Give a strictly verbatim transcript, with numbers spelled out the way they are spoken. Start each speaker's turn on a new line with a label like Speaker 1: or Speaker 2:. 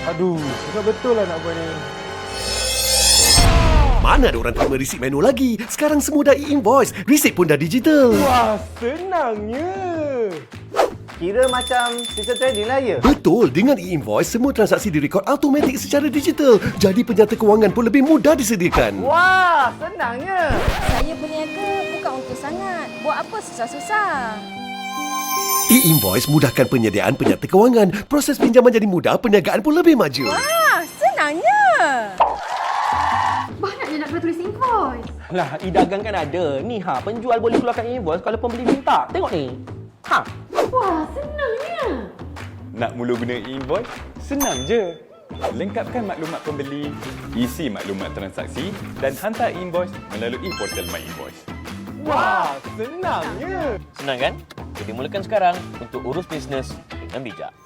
Speaker 1: Aduh, susah betul lah nak buat ni.
Speaker 2: Mana ada orang terima resip manual lagi? Sekarang semua dah e-invoice. Resip pun dah digital.
Speaker 1: Wah, senangnya.
Speaker 3: Kira macam sistem trading lah ya?
Speaker 2: Betul, dengan e-invoice, semua transaksi direkod automatik secara digital. Jadi penyata kewangan pun lebih mudah disediakan.
Speaker 3: Wah, senangnya.
Speaker 4: Saya berniaga bukan untuk sangat. Buat apa susah-susah?
Speaker 2: E-invoice mudahkan penyediaan penyata kewangan. Proses pinjaman jadi mudah, perniagaan pun lebih maju.
Speaker 4: Wah, senangnya.
Speaker 5: Banyaknya nak kena tulis invoice.
Speaker 6: Lah, e-dagang kan ada. Ni ha, penjual boleh keluarkan invoice kalau pembeli minta. Tengok ni. Ha.
Speaker 5: Wah, senangnya.
Speaker 7: Nak mula guna e-invoice? Senang je. Lengkapkan maklumat pembeli, isi maklumat transaksi dan hantar invoice melalui portal My Invoice.
Speaker 1: Wah, senangnya.
Speaker 8: Senang kan? Jadi mulakan sekarang untuk urus bisnes dengan bijak.